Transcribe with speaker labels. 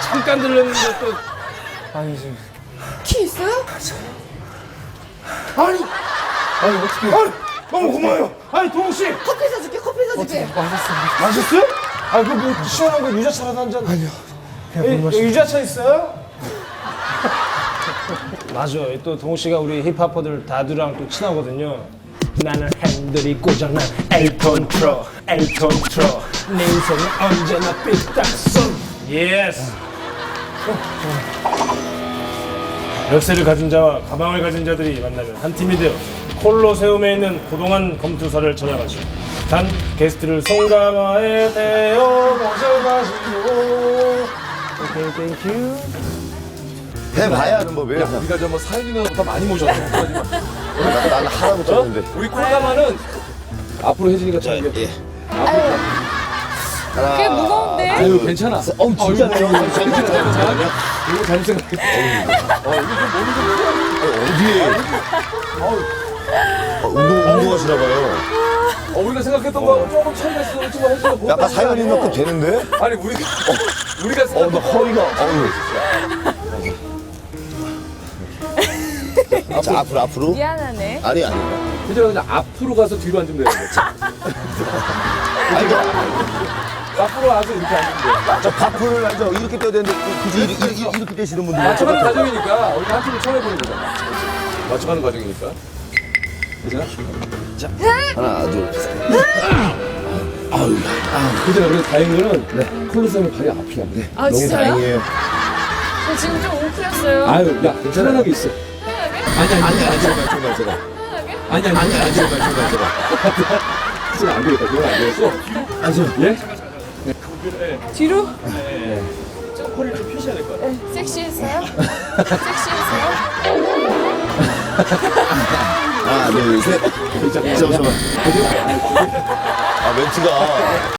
Speaker 1: 잠깐 들렸는데 또.
Speaker 2: 아니 지금
Speaker 3: 키 있어요?
Speaker 1: 아니 어떻게? 아니 너무 고마워요. 아니 동욱 씨
Speaker 3: 커피 사줄게, 커피 사줄게.
Speaker 1: 마셨어요? 아니 그뭐 시원한 거 유자차라도 한 잔. 아니요. 유자차 있어요? 맞아. 또 동욱 씨가 우리 힙합퍼들 다들랑 또 친하거든요. 나는 핸들이 고장난 엘톤 트로, 엘톤 트로. 내 인생은 언제나 삐딱선. 예스. 열쇠를 가진 자와 가방을 가진 자들이 만나면 한 팀이 되어 콜로세움에 있는 고동한 검투사를 찾아가시오. 단 게스트를 송가마에 대어 모셔가시오. 오케이, 땡큐.
Speaker 4: 해봐야 하는 법이에요.
Speaker 2: 우리가 저 뭐 사연이나보다 많이 모셨어.
Speaker 4: 나는 하나도 쳤는데.
Speaker 2: 우리 콜라마는 앞으로 혜진이가 참
Speaker 4: 예.
Speaker 3: 그게 무거운데?
Speaker 2: 아유 괜찮아.
Speaker 4: 진짜네요.
Speaker 2: 이거 잘못 생각했어.
Speaker 4: 어디에? 운동하시나 봐요.
Speaker 2: 우리가 생각했던 거 조금 차이가 있어. 그렇지만 혜진이가 뭐
Speaker 4: 약간 사연인 만큼 되는데?
Speaker 2: 아니 우리가
Speaker 4: 나
Speaker 2: 생각했던
Speaker 4: 허리가, 자, 앞으로.
Speaker 3: 미안하네.
Speaker 4: 아니.
Speaker 2: 혜진아 그냥 앞으로 가서 뒤로 앉으면 되는 거지. 앞으로 와서 이렇게 앉으면 돼.
Speaker 4: 저 바프를 앉아 이렇게 떼야 되는데 굳이 이렇게 떼시는 분들.
Speaker 2: 맞춰가는 과정이니까 우리가 한 팀을 처음 해보는 거잖아. 맞춰가는 과정이니까. 혜진아?
Speaker 4: 하나, 둘, 셋.
Speaker 2: 혜진아 그래도 다행인 거는 콜로세움 발이 앞이야.
Speaker 3: 아,
Speaker 4: 너무
Speaker 3: 진짜요?
Speaker 4: 다행이에요.
Speaker 3: 저 지금 좀 웅크렸어요.
Speaker 2: 아유 야 편안하게 있어.
Speaker 4: 제발.
Speaker 3: 편하게?
Speaker 2: 혜진아 안 되겠다. 그건 안 되겠어. 예?
Speaker 3: 뒤로?
Speaker 1: 좀 허리를 좀 펴셔야 될 것 같아요.
Speaker 3: 네. 섹시했어요? 섹시했어요?
Speaker 4: 하나, 둘, 셋. 잠깐만. 멘트가.